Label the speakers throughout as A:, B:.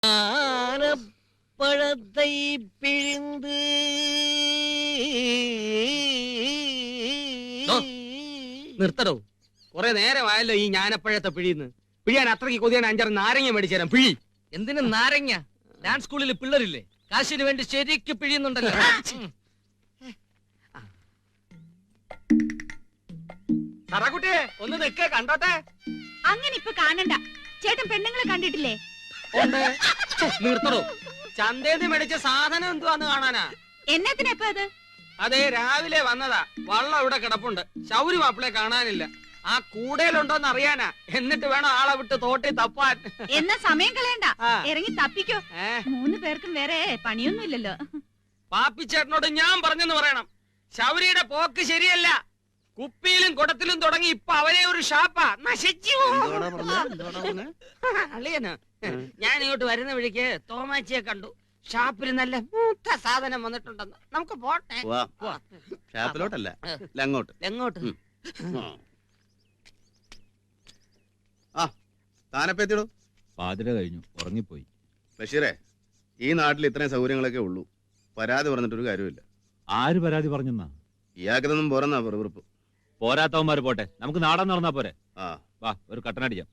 A: പഴത്തെ പിഴിന്ത്
B: നിർത്തടോ. കുറെ നേരമായല്ലോ ഈ ഞാനപ്പഴത്തെ പിഴിന്ന്. പിഴിയാൻ അത്രയ്ക്ക് കൊതിയാൻ 5-6 നാരങ്ങ മേടിച്ചു തരാം. പിഴി.
A: എന്തിനു നാരങ്ങ? ഡാൻസ് സ്കൂളിൽ പിള്ളേരില്ലേ, കാശിന് വേണ്ടി ശരിക്ക് പിഴിയുന്നുണ്ടല്ലോ.
B: സറാക്കുട്ടിയെ ഒന്ന് നിൽക്കേ, കണ്ടോട്ടെ.
C: അങ്ങനെ ഇപ്പൊ കാണണ്ട. ചേട്ടൻ പെണ്ണുങ്ങളെ കണ്ടിട്ടില്ലേ?
B: നിർത്തടോ. ചന്തേന്ന് മേടിച്ച സാധനം എന്തുവാന്ന് കാണാനാ.
C: എന്നത്തിനപ്പ അത്?
B: അതെ, രാവിലെ വന്നതാ. വള്ളം ഇവിടെ കിടപ്പുണ്ട്. ശൗരി മാപ്പിളെ കാണാനില്ല. ആ കൂടയിലുണ്ടോന്ന് അറിയാനാ. എന്നിട്ട് വേണം ആളെ വിട്ട് തോട്ടി തപ്പാൻ.
C: എന്നാ സമയം കളയണ്ട, ഇറങ്ങി തപ്പിക്കോ. 3 പേർക്കും വേറെ പണിയൊന്നുമില്ലല്ലോ.
B: പാപ്പിച്ചേട്ടനോട് ഞാൻ പറഞ്ഞെന്ന് പറയണം. ശൗരിയുടെ പോക്ക് ശരിയല്ല. കുപ്പിയിലും കുടത്തിലും തുടങ്ങി ഇപ്പൊ അവരെ ഒരു ഷാപ്പാ. നശിച്ചു. അളിയന് ഞാൻ ഇങ്ങോട്ട് വരുന്ന വഴിക്ക് തോമാച്ചിയെ കണ്ടു. ഷാപ്പിൽ നല്ല മൂത്ത സാധനം വന്നിട്ടുണ്ടെന്ന്. നമുക്ക് പോട്ടെ.
D: ഷാപ്പിലോട്ടല്ല,
B: എങ്ങോട്ട്?
D: താനപ്പെത്തിടോ.
E: പാതിര കഴിഞ്ഞു, ഉറങ്ങിപ്പോയി.
D: ബഷീറേ, ഈ നാട്ടിൽ ഇത്രയും സൗകര്യങ്ങളൊക്കെ ഉള്ളൂ. പരാതി പറഞ്ഞിട്ടൊരു കാര്യമില്ല.
E: ആര് പരാതി പറഞ്ഞെന്നാ?
D: ഇയാൾക്കൊന്നും പോരെന്നാ വെറുപ്പ്.
E: പോരാത്തവന്മാര് പോട്ടെ, നമുക്ക് നാടൻ നടന്നാ പോരെ. വാ, ഒരു കട്ടനടിക്കാം.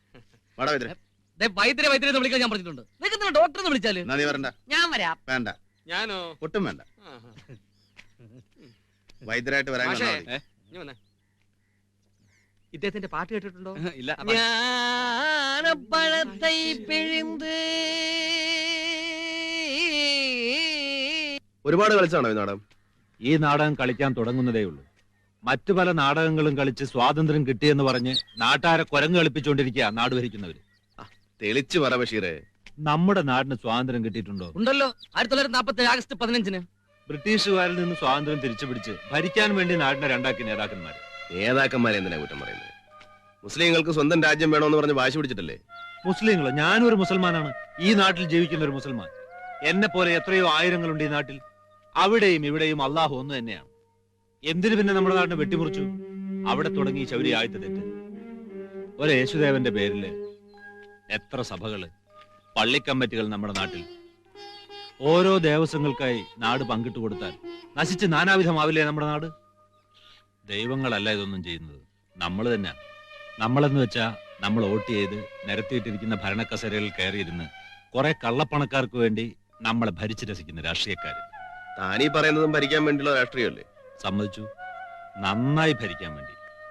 A: വൈദ്യരെ വിളിക്കാൻ ഞാൻ പറഞ്ഞിട്ടുണ്ട്. നിങ്ങൾക്ക് ഡോക്ടറെ വിളിച്ചാല്
D: നീ വരണ്ട.
A: ഞാൻ വരാം.
D: വേണ്ട.
B: ഞാനോ?
D: ഒട്ടും വേണ്ട. വൈദ്യരായിട്ട് വരാൻ
B: ഇദ്ദേഹത്തിന്റെ പാട്ട് കേട്ടിട്ടുണ്ടോ?
E: ഇല്ല.
A: ഞാനപ്പഴത്തെ പിഴിന്ത്.
D: ഒരുപാട് കളിച്ചാണോ ഈ നാടകം?
E: ഈ നാടകം കളിക്കാൻ തുടങ്ങുന്നതേ ഉള്ളൂ. മറ്റു പല നാടകങ്ങളും കളിച്ച് സ്വാതന്ത്ര്യം കിട്ടിയെന്ന് പറഞ്ഞ് നാട്ടാരെ കുരങ്ങ് കളിപ്പിച്ചുകൊണ്ടിരിക്കുക നാട് ഭരിക്കുന്നവര്.
D: തെളിച്ചു പറ ബഷീറേ.
E: നമ്മുടെ നാടിന് സ്വാതന്ത്ര്യം കിട്ടിയിട്ടുണ്ടോ?
A: ഉണ്ടല്ലോ. 1947 ആഗസ്റ്റ് 15-ന്
E: ബ്രിട്ടീഷുകാരിൽ നിന്ന് സ്വാതന്ത്ര്യം തിരിച്ചു പിടിച്ച് ഭരിക്കാൻ വേണ്ടി നാടിനെ രണ്ടാക്കി നേതാക്കന്മാര്.
D: നേതാക്കന്മാരെ എന്തിനാ കുറ്റം പറയുന്നത്? മുസ്ലിങ്ങൾക്ക് സ്വന്തം രാജ്യം വേണമെന്ന് പറഞ്ഞ് വാശി പിടിച്ചിട്ടല്ലേ?
E: മുസ്ലിങ്ങളോ? ഞാനൊരു മുസൽമാനാണ്. ഈ നാട്ടിൽ ജീവിക്കുന്ന ഒരു മുസൽമാൻ. എന്നെ പോലെ എത്രയോ ആയിരങ്ങളുണ്ട് ഈ നാട്ടിൽ. അവിടെയും ഇവിടെയും അള്ളാഹു ഒന്ന് തന്നെയാണ്. എന്തിനു പിന്നെ നമ്മുടെ നാടിനെ വെട്ടിമുറിച്ചു? അവിടെ തുടങ്ങി ശൗരി ആയത്തെ തെറ്റ്. ഒരു യേശുദേവന്റെ പേരില് എത്ര സഭകള്, പള്ളിക്കമ്മിറ്റികൾ നമ്മുടെ നാട്ടിൽ. ഓരോ ദേവസ്വങ്ങൾക്കായി നാട് പങ്കിട്ട് കൊടുത്താൽ നശിച്ച് നാനാവിധമാവില്ലേ നമ്മുടെ നാട്? ദൈവങ്ങളല്ല ഇതൊന്നും ചെയ്യുന്നത്, നമ്മൾ തന്നെ. നമ്മളെന്ന് വെച്ചാ നമ്മൾ വോട്ട് ചെയ്ത് നിരത്തിയിട്ടിരിക്കുന്ന ഭരണക്കസേരകളിൽ കയറിയിരുന്ന് കുറെ കള്ളപ്പണക്കാർക്ക് വേണ്ടി നമ്മളെ ഭരിച്ചു രസിക്കുന്ന രാഷ്ട്രീയക്കാര്.
D: താനീ പറയുന്നതും ഭരിക്കാൻ വേണ്ടിയുള്ള രാഷ്ട്രീയമല്ലേ?
E: സമ്മതിച്ചു, നന്നായി ഭരിക്കാൻ വേണ്ടി.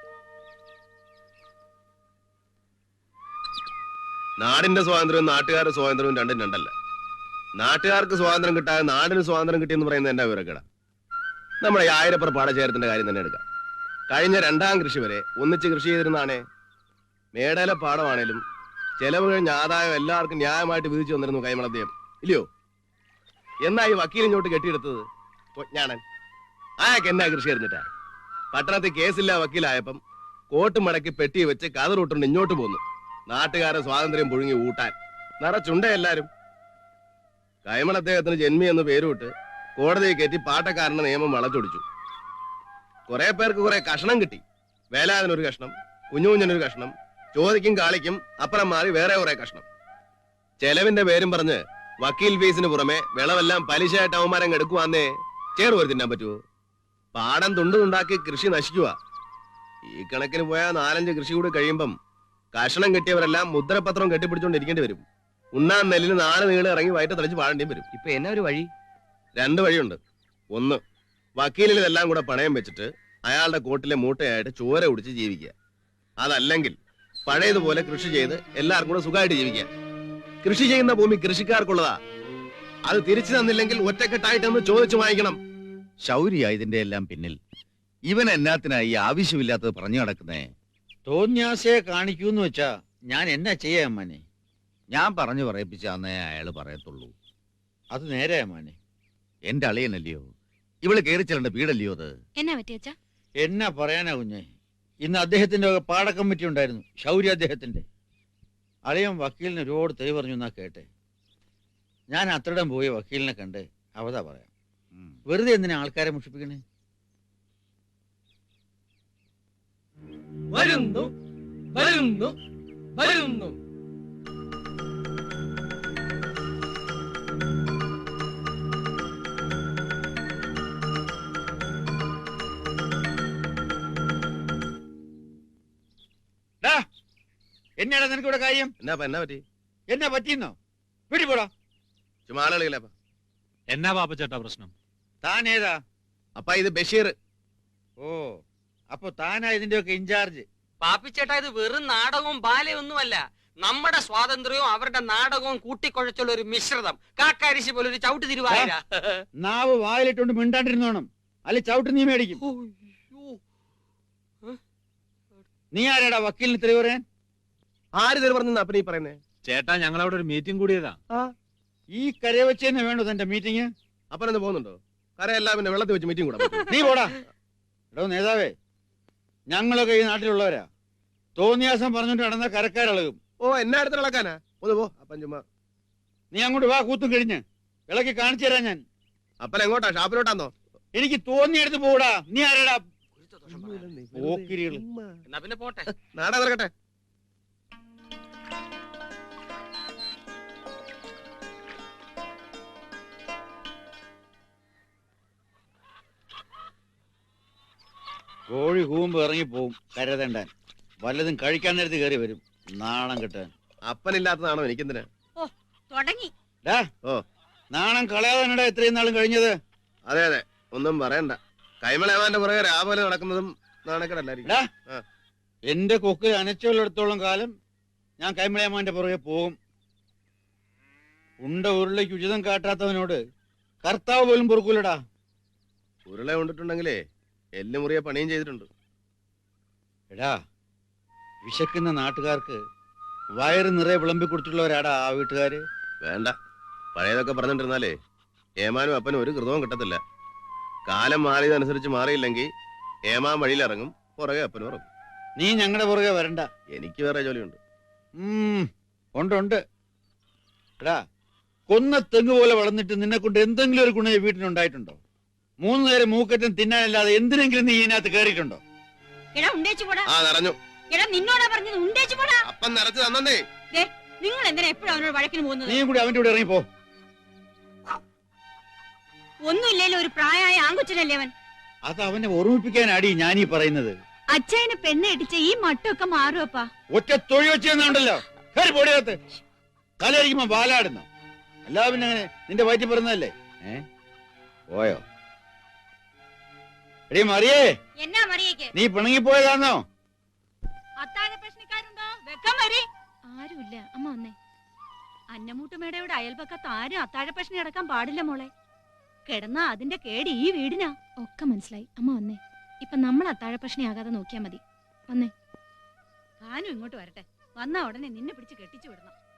D: നാടിന്റെ സ്വാതന്ത്ര്യവും നാട്ടുകാരുടെ സ്വാതന്ത്ര്യവും രണ്ടും രണ്ടല്ല. നാട്ടുകാർക്ക് സ്വാതന്ത്ര്യം കിട്ടാതെ നാടിന് സ്വാതന്ത്ര്യം കിട്ടിയെന്ന് പറയുന്നത് എന്നാ വിവരക്കേടാ. നമ്മുടെ 1000 പാടശേഖരത്തിന്റെ കാര്യം തന്നെ എടുക്കാം. കഴിഞ്ഞ 2ാം കൃഷി വരെ ഒന്നിച്ച് കൃഷി ചെയ്തിരുന്നാണേ. മേടയിലെ പാടമാണേലും ചെലവ് കഴിഞ്ഞ ആദായം എല്ലാവർക്കും ന്യായമായിട്ട് വിധിച്ചു വന്നിരുന്നു കൈമളദ്ദേഹം, ഇല്ലയോ? എന്നാ ഈ വക്കീലിങ്ങോട്ട് കെട്ടിയെടുത്തത് ഞാനൻ. ആയൊക്കെ എന്നാ കൃഷി എറിഞ്ഞിട്ടാ? പട്ടണത്തിൽ കേസില്ല വക്കീലായപ്പം കോട്ട് മടക്കി പെട്ടി വെച്ച് കതറൂട്ടുണ്ട് ഇങ്ങോട്ട് പോന്നു. നാട്ടുകാരെ സ്വാതന്ത്ര്യം പുഴുങ്ങി ഊട്ടാൻ നിറച്ചുണ്ട എല്ലാരും. കൈമളദ്ദേഹത്തിന് ജന്മി എന്ന് പേരുവിട്ട് കോടതിയെ കയറ്റി പാട്ടക്കാരന്റെ നിയമം വളച്ചൊടിച്ചു. കുറെ പേർക്ക് കുറെ കഷണം കിട്ടി. വേലാതിനൊരു കഷ്ണം, കുഞ്ഞുകുഞ്ഞനൊരു കഷ്ണം, ചോദിക്കും കാളിക്കും അപ്പുറം മാറി വേറെ കുറെ കഷ്ണം. ചെലവിന്റെ പേരും പറഞ്ഞ് വക്കീൽ ഫീസിന് പുറമെ വിളവെല്ലാം പലിശയായിട്ട് അവന്മാരം എടുക്കുവാന്നേ ചേർവര് തിന്നാൻ പറ്റുമോ? പാടം തുണ്ടുണ്ടാക്കി കൃഷി നശിക്കുക. ഈ കണക്കിന് പോയാൽ 4-5 കൃഷി കൂടി കഴിയുമ്പം കഷണം കിട്ടിയവരെല്ലാം മുദ്രപത്രം കെട്ടിപ്പിടിച്ചോണ്ടിരിക്കേണ്ടി വരും. ഉണ്ണാൻ നെല്ലിന് 4 നീള് ഇറങ്ങി വയറ്റ് തെളിച്ച് പാടേണ്ടിയും വരും.
B: ഇപ്പൊ എന്നാ ഒരു വഴി?
D: 2 വഴിയുണ്ട്. ഒന്ന്, വക്കീലിൽ ഇതെല്ലാം കൂടെ പണയം വെച്ചിട്ട് അയാളുടെ കോട്ടിലെ മൂട്ടയായിട്ട് ചോര കുടിച്ച് ജീവിക്കുക. അതല്ലെങ്കിൽ പഴയതുപോലെ കൃഷി ചെയ്ത് എല്ലാവർക്കും കൂടെ സുഖമായിട്ട് ജീവിക്കുക. കൃഷി ചെയ്യുന്ന ഭൂമി കൃഷിക്കാർക്കുള്ളതാ. അത് തിരിച്ചു തന്നില്ലെങ്കിൽ ഒറ്റക്കെട്ടായിട്ടൊന്ന് ചോദിച്ചു വാങ്ങിക്കണം.
F: ശൗര്യ ഇതിന്റെ എല്ലാം പിന്നിൽ. ഇവൻ എന്നാത്തിനായി ആവശ്യമില്ലാത്തത് പറഞ്ഞു നടക്കുന്നേ?
G: തോന്യാസയെ കാണിക്കൂന്ന് വെച്ചാ ഞാൻ എന്നാ ചെയ്യാ അമ്മാനെ?
F: ഞാൻ പറഞ്ഞു പറയിപ്പിച്ചാന്നേ അയാള് പറയത്തുള്ളൂ.
G: അത് നേരെ അമ്മാനെ.
F: എന്റെ അളിയനല്ലയോ, ഇവള് കയറി ചെല്ലേണ്ട വീടല്ലയോ അത്?
C: എന്നാ പറ്റിയച്ചാ?
G: എന്നാ പറയാനാ കുഞ്ഞെ? ഇന്ന് അദ്ദേഹത്തിന്റെ പാട കമ്മിറ്റി ഉണ്ടായിരുന്നു, ശൗര്യ അദ്ദേഹത്തിന്റെ. അളിയൻ വക്കീലിന് ഒരുപാട് തെറി പറഞ്ഞു എന്നാ കേട്ടെ. ഞാൻ അത്രയിടം പോയി വക്കീലിനെ കണ്ട് അവതാ പറയാം. വെറുതെ എന്തിനാ ആൾക്കാരെ മുഷിപ്പിക്കണേ?
A: വരുന്നു വരുന്നു വരുന്നു.
G: എന്നാടാ നിനക്കിവിടെ കാര്യം?
D: എന്നാ പറ്റി?
G: എന്നാ പറ്റിയെന്നോ? വീട്ടിൽ പോടാ.
D: ചുമ്മാ ആളുകളില്ല.
E: എന്നാ പാപ്പച്ചേട്ടാ പ്രശ്നം?
G: താൻ ഏതാ?
D: അപ്പ ഇത് ബഷീർ.
G: ഓ, അപ്പൊ താനാ ഇതിന്റെയൊക്കെ ഇൻചാർജ്?
B: പാപ്പിച്ചേട്ടാ, ഇത് വെറും നാടകവും ബാലയൊന്നുമല്ല. നമ്മുടെ സ്വാതന്ത്ര്യവും അവരുടെ നാടകവും കൂട്ടിക്കുഴച്ചുള്ള ഒരു മിശ്രിതം. കാക്കാരിശി പോലെ ഒരു ചവിട്ട് തിരുവായിര.
G: നാവ് വായിലിട്ടോണ്ട് മിണ്ടാണ്ടിരുന്നോണം, അല്ലെ ചവിട്ട് നീ മേടിക്കും. നീ ആരാടാ വക്കീലിന് തെളിവ് പറയാൻ?
D: ആര് തെളിവ് പറഞ്ഞ അപ്പനീ പറയുന്നേ?
E: ചേട്ടാ, ഞങ്ങളവിടെ ഒരു മീറ്റിംഗ് കൂടിയതാ.
G: ഈ കരയെ വെച്ച് തന്നെ വേണ്ടോ തന്റെ മീറ്റിംഗ്?
D: അപ്പനെന്ന് പോകുന്നുണ്ടോ? കരയെല്ലാം പിന്നെ വെള്ളത്തിൽ വെച്ച് മീറ്റിംഗ് കൂടാ.
G: നീ പോടാ. എടോ നേതാവേ, ഞങ്ങളൊക്കെ ഈ നാട്ടിലുള്ളവരാ. തോന്നിയാസം പറഞ്ഞോണ്ട് നടന്ന കരക്കാരിളകും.
D: ഓ, എന്നെ അടുത്ത് ഇളക്കാനാ? ഒന്ന് പോ അപ്പൻ. ചുമ്മാ
G: നീ അങ്ങോട്ട് വാ, കൂത്തും കഴിഞ്ഞ് ഇളക്കി കാണിച്ചു തരാം ഞാൻ.
D: അപ്പൻ എങ്ങോട്ടാ? ഷാപ്പിലോട്ടാന്നോ?
G: എനിക്ക് തോന്നിയെടുത്ത് പോടാ. നീ ആരാടാ? പോക്കിരികള്.
B: എന്നാ പിന്നെ പോട്ടെ.
D: നാടാ നിറക്കട്ടെ.
G: കോഴി കൂമ്പ് ഇറങ്ങിപ്പോവും കരതണ്ടാൻ. വല്ലതും കഴിക്കാൻ നേരത്ത് കയറി വരും, നാണം കിട്ടാൻ.
D: അപ്പനില്ലാത്തതാണോ എനിക്കെന്തിനാ?
C: തുടങ്ങി.
G: നാണം കളയാതാനടാ ഇത്രയും നാളും കഴിഞ്ഞത്.
D: അതെ അതെ, ഒന്നും പറയണ്ട. കൈമളേമാന്റെ പുറകെ രാവിലെ നടക്കുന്നതും നാണക്കേടല്ലായിരിക്കും.
G: എന്റെ കൊക്കിൽ അനച്ചുള്ളിടത്തോളം കാലം ഞാൻ കൈമളയമാന്റെ പുറകെ പോകും. ഉണ്ട ഉരുളയ്ക്ക് ഉചിതം കാട്ടാത്തവനോട് കർത്താവ് പോലും പൊറുക്കൂലടാ.
D: ഉരുള കൊണ്ടിട്ടുണ്ടെങ്കിലേ എല്ലുമുറിയെ പണിയും ചെയ്തിട്ടുണ്ട്.
G: എടാ, വിശക്കുന്ന നാട്ടുകാർക്ക് വയറ് നിറയെ വിളമ്പി കൊടുത്തുള്ളവരാടാ ആ വീട്ടുകാര്.
D: വേണ്ട, പഴയതൊക്കെ പറഞ്ഞിട്ടിരുന്നാലേ ഏമാനും അപ്പനും ഒരു കൃതവും കിട്ടത്തില്ല. കാലം മാറിയതനുസരിച്ച് മാറിയില്ലെങ്കിൽ ഏമാൻ വഴിയിലിറങ്ങും, പുറകെ അപ്പനും ഇറങ്ങും.
G: നീ ഞങ്ങളുടെ പുറകെ വരണ്ട,
D: എനിക്ക് വേറെ ജോലിയുണ്ട്.
G: ഉണ്ട്. എടാ, കൊന്ന തെങ്ങ് പോലെ വളർന്നിട്ട് നിന്നെ കൊണ്ട് എന്തെങ്കിലും ഒരു ഗുണം ഈ വീട്ടിനുണ്ടായിട്ടുണ്ടോ? 3 നേരം മൂക്കറ്റം തിന്നാനല്ലാതെ എന്തിനെങ്കിലും നീ ഇതിനകത്ത് കയറിയിട്ടുണ്ടോ?
D: നിറഞ്ഞു.
C: നിന്നോടാ പറഞ്ഞത് ഉണ്ടേച്ചു പോടാ.
D: അപ്പം നിറച്ച് തന്നേ.
C: നിങ്ങൾ എന്തിനാ എപ്പോഴും അവനോട് വഴക്കിന് പോകുന്നത്?
G: നീ കൂടി അവന്റെ കൂടെ ഇറങ്ങിപ്പോ.
C: ഒന്നുമില്ലല്ലോ, ഒരു പ്രായമായ ആൺകൊച്ചനല്ലേ അവൻ.
G: അത് അവനെ ഓർമ്മിപ്പിക്കാനാടി ഞാനീ പറയുന്നത്.
C: അച്ഛനെ പെണ്ണ് ഇടിച്ച ഈ മട്ടൊക്കെ മാറുവപ്പാ.
G: ഒറ്റ തൊഴി വെച്ചെന്നുണ്ടല്ലോ, കയറി പൊടിയകത്ത്. തലയിരിക്കുമ്പോ ബാലാടുന്നു. അല്ലാ പിന്നെ അങ്ങനെ നിന്റെ വയറ്റി പറഞ്ഞതല്ലേ? പോയോ? എടീ മറിയേ,
C: എന്നാ മറിയേക്ക്?
G: നീ പിണങ്ങിപ്പോയതാണോ?
C: അത്താഴ പ്രശ്നക്കാരുണ്ടോ? വെക്കം വരി. ആരുമില്ല, അമ്മ വന്നേ. അന്നമൂട്ടുമേടയുടെ അയൽപക്കത്ത് ആരും അത്താഴ പ്രശ്നം കിടക്കാൻ പാടില്ല മോളെ. കിടന്നാ അതിന്റെ കേട് ഈ വീടിനാ. ഒക്കെ മനസ്സിലായി, അമ്മ വന്നേ. ഇപ്പൊ നമ്മൾ അത്താഴ പ്രശ്നമാകാതെ നോക്കിയാ മതി. വന്നേ. താനും ഇങ്ങോട്ട് വരട്ടെ. വന്നാ ഉടനെ നിന്നെ പിടിച്ച് കെട്ടിച്ചു വിടണം.